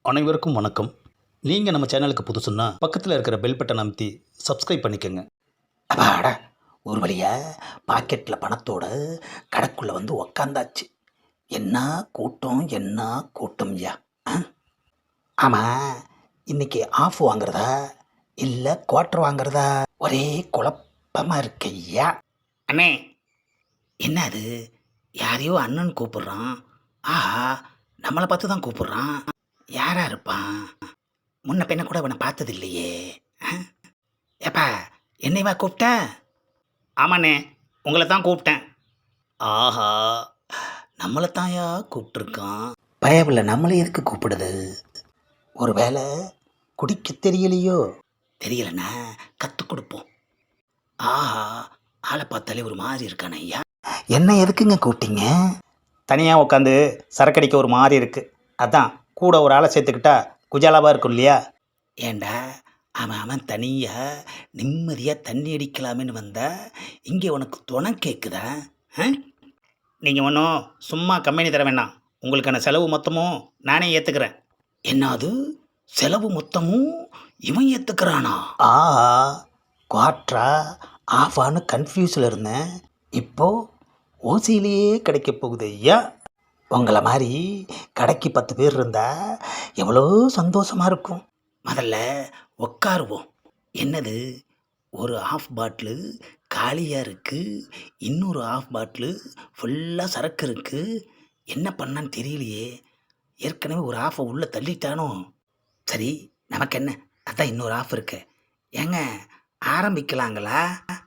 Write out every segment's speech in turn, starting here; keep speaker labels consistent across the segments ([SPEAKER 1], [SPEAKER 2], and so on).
[SPEAKER 1] அனைவருக்கும் வணக்கம். நீங்கள் நம்ம சேனலுக்கு புதுசுன்னா பக்கத்தில் இருக்கிற பெல் பட்டன் அமைத்தி சப்ஸ்கிரைப் பண்ணிக்கோங்க.
[SPEAKER 2] அப்பாடா, ஒரு வழியா பாக்கெட்டில் பணத்தோட கடைக்குள்ளே வந்து உக்காந்தாச்சு. என்ன கூட்டம், என்ன கூட்டம் ஐயா. ஆமாம், இன்னைக்கு ஆஃப் வாங்குறதா இல்லை குவார்ட்டர் வாங்குறதா ஒரே குழப்பமாக இருக்கு ஐயா. அண்ணே, என்ன அது? யாரையோ அண்ணன் கூப்பிடுறான். ஆஹா, நம்மளை பார்த்து தான் கூப்பிடுறான். யாரா இருப்பான்? முன்ன பின்ன கூட அவனை பார்த்தது இல்லையே. ஏப்பா, என்னைவா கூப்பிட்ட? ஆமாண்ணே, உங்களை தான் கூப்பிட்டேன். ஆஹா, நம்மளை தாயா கூப்பிட்டுருக்கான். பயவில் நம்மளை எதுக்கு கூப்பிடுது? ஒரு வேளை குடிக்க தெரியலையோ? தெரியலண்ணா, கற்றுக் கொடுப்போம். ஆஹா, ஆளை பார்த்தாலே ஒரு மாதிரி இருக்கான ஐயா. என்ன எதுக்குங்க கூப்பிட்டீங்க?
[SPEAKER 1] தனியாக உட்காந்து சரக்கடிக்க ஒரு மாதிரி இருக்குது. அதான் கூட ஒரு ஆளை சேர்த்துக்கிட்டா குஜாலாவாக இருக்கும் இல்லையா?
[SPEAKER 2] ஏண்டா, அவன் தனியாக நிம்மதியாக தண்ணி அடிக்கலாமேன்னு வந்தா இங்கே உனக்கு துணை கேட்குதா?
[SPEAKER 1] நீங்கள் ஒன்றும் சும்மா கம்பெனி தர வேண்டாம். உங்களுக்கான செலவு மொத்தமும் நானே ஏற்றுக்கிறேன்.
[SPEAKER 2] என்னது, செலவு மொத்தமும் இவன் ஏற்றுக்கிறானா?
[SPEAKER 1] ஆஹா, குவார்ட்டரா ஆஃபான்னு கன்ஃபியூஸில் இருந்தேன். இப்போது ஓசியிலேயே கிடைக்க போகுது ஐயா.
[SPEAKER 2] உங்களை மாதிரி கடைக்கு 10 பேர் இருந்தால் எவ்வளோ சந்தோஷமாக இருக்கும். முதல்ல உட்காருவோம். என்னது, ஒரு ஆஃப் பாட்டிலு காலியாக இருக்குது, இன்னொரு ஆஃப் பாட்டிலு ஃபுல்லாக சரக்கு இருக்குது. என்ன பண்ணான்னு தெரியலையே. ஏற்கனவே ஒரு ஆஃபை உள்ளே தள்ளிட்டானோ? சரி, நமக்கு என்ன, அதான் இன்னொரு ஆஃப் இருக்கு. ஏங்க, ஆரம்பிக்கலாங்களா?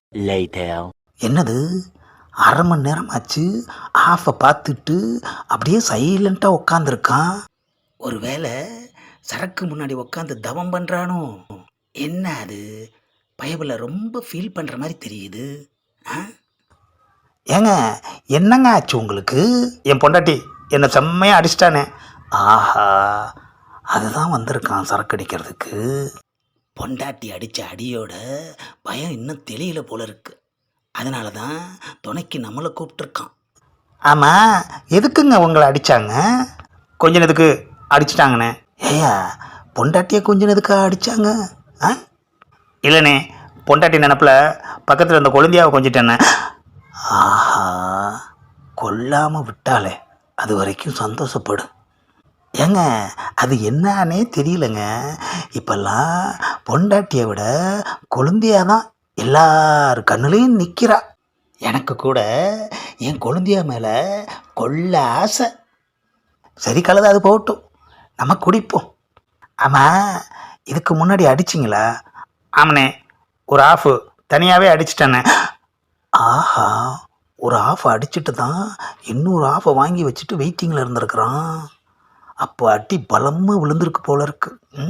[SPEAKER 2] என்னது, அரை மணி நேரம் ஆச்சு ஆஃபை பார்த்துட்டு அப்படியே சைலண்ட்டாக உட்காந்துருக்கான். ஒரு வேளை சரக்கு முன்னாடி உட்காந்து தவம் பண்ணுறானோ? என்ன அது, பயபில் ரொம்ப ஃபீல் பண்ணுற மாதிரி தெரியுது. ஏங்க, என்னங்க ஆச்சு உங்களுக்கு?
[SPEAKER 1] என் பொண்டாட்டி என்னை செம்மையாக அடிச்சிட்டானே.
[SPEAKER 2] ஆஹா, அதுதான் வந்திருக்கான் சரக்கு அடிக்கிறதுக்கு. பொண்டாட்டி அடித்த அடியோட பயம் இன்னும் தெரியல போல இருக்கு. அதனால தான் துணைக்கு நம்மளை கூப்பிட்டுருக்கான்.
[SPEAKER 1] ஆமாம், எதுக்குங்க உங்களை அடித்தாங்க? கொஞ்ச நேரத்துக்கு அடிச்சிட்டாங்கண்ணே.
[SPEAKER 2] ஏயா, பொண்டாட்டியை கொஞ்ச நேரத்துக்கு அடித்தாங்க?
[SPEAKER 1] இல்லைண்ணே, பொண்டாட்டி நினப்பில் பக்கத்தில் இருந்த கொழுந்தியாவை கொஞ்சிட்டேண்ணே.
[SPEAKER 2] ஆஹா, கொல்லாமல் விட்டாலே அது வரைக்கும் சந்தோஷப்படும். ஏங்க, அது என்னன்னே தெரியலங்க. இப்பெல்லாம் பொண்டாட்டியை விட கொழுந்தியா தான் எல்லார் கண்ணுலேயும் நிற்கிறா. எனக்கு கூட என் கொழுந்தியா மேலே கொள்ள ஆசை. சரி, கலது, அது போகட்டும், நம்ம குடிப்போம். ஆமாம், இதுக்கு முன்னாடி அடிச்சிங்களா?
[SPEAKER 1] ஆமாண்ணே, ஒரு ஆஃபு தனியாகவே அடிச்சிட்டேண்ணே.
[SPEAKER 2] ஆஹா, ஒரு ஆஃப் அடிச்சுட்டு தான் இன்னொரு ஆஃபை வாங்கி வச்சுட்டு வெயிட்டிங்கில் இருந்திருக்கிறான். அப்போ அடி பலமாக விழுந்திருக்கு போல இருக்கு.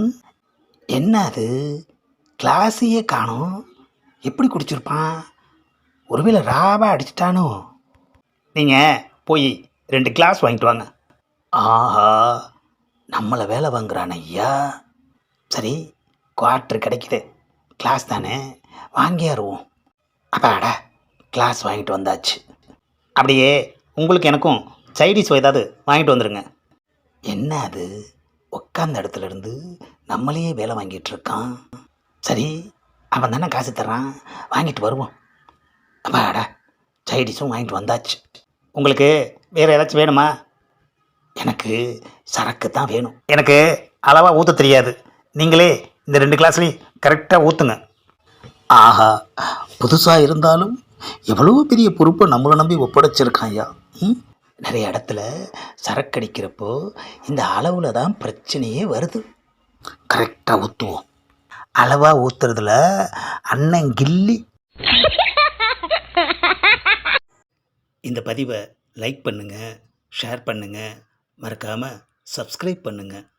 [SPEAKER 2] என்ன அது, கிளாஸையே காணோம். எப்படி குடிச்சிருப்பான்? ஒருவேளை ராவா அடிச்சிட்டானோ?
[SPEAKER 1] நீங்கள் போய் 2 கிளாஸ் வாங்கிட்டு வாங்க.
[SPEAKER 2] ஆஹா, நம்மளை வேலை வாங்குறான் ஐயா. சரி, குவார்ட்டர் கிடைக்குது, கிளாஸ் தானே, வாங்கியாருவோம். அப்பாடா, கிளாஸ் வாங்கிட்டு வந்தாச்சு.
[SPEAKER 1] அப்படியே உங்களுக்கு எனக்கும் சைடிஷ் ஏதாவது வாங்கிட்டு வந்துடுங்க.
[SPEAKER 2] என்ன அது, உட்காந்த இடத்துல இருந்து நம்மளையே வேலை வாங்கிட்டு இருக்கான். சரி, அவன் தானே காசு தர்றான், வாங்கிட்டு வருவோம். அப்பாடா, சைடிஷும் வாங்கிட்டு வந்தாச்சு.
[SPEAKER 1] உங்களுக்கு வேறு ஏதாச்சும் வேணுமா?
[SPEAKER 2] எனக்கு சரக்கு தான் வேணும்.
[SPEAKER 1] எனக்கு அளவாக ஊற்ற தெரியாது. நீங்களே இந்த 2 கிளாஸ்லேயும் கரெக்டாக ஊற்றுங்க.
[SPEAKER 2] ஆஹா, புதுசாக இருந்தாலும் எவ்வளோ பெரிய பொறுப்பை நம்மளை நம்பி ஒப்படைச்சிருக்கான் ஐயா. நிறைய இடத்துல சரக்கு அடிக்கிறப்போ இந்த அளவில் தான் பிரச்சனையே வருது. கரெக்டாக ஊற்றுவோம். அளவாக ஊற்றுறதுல அண்ணன் கில்லி.
[SPEAKER 1] இந்த பதிவை லைக் பண்ணுங்கள், ஷேர் பண்ணுங்கள், மறக்காமல் சப்ஸ்கிரைப் பண்ணுங்கள்.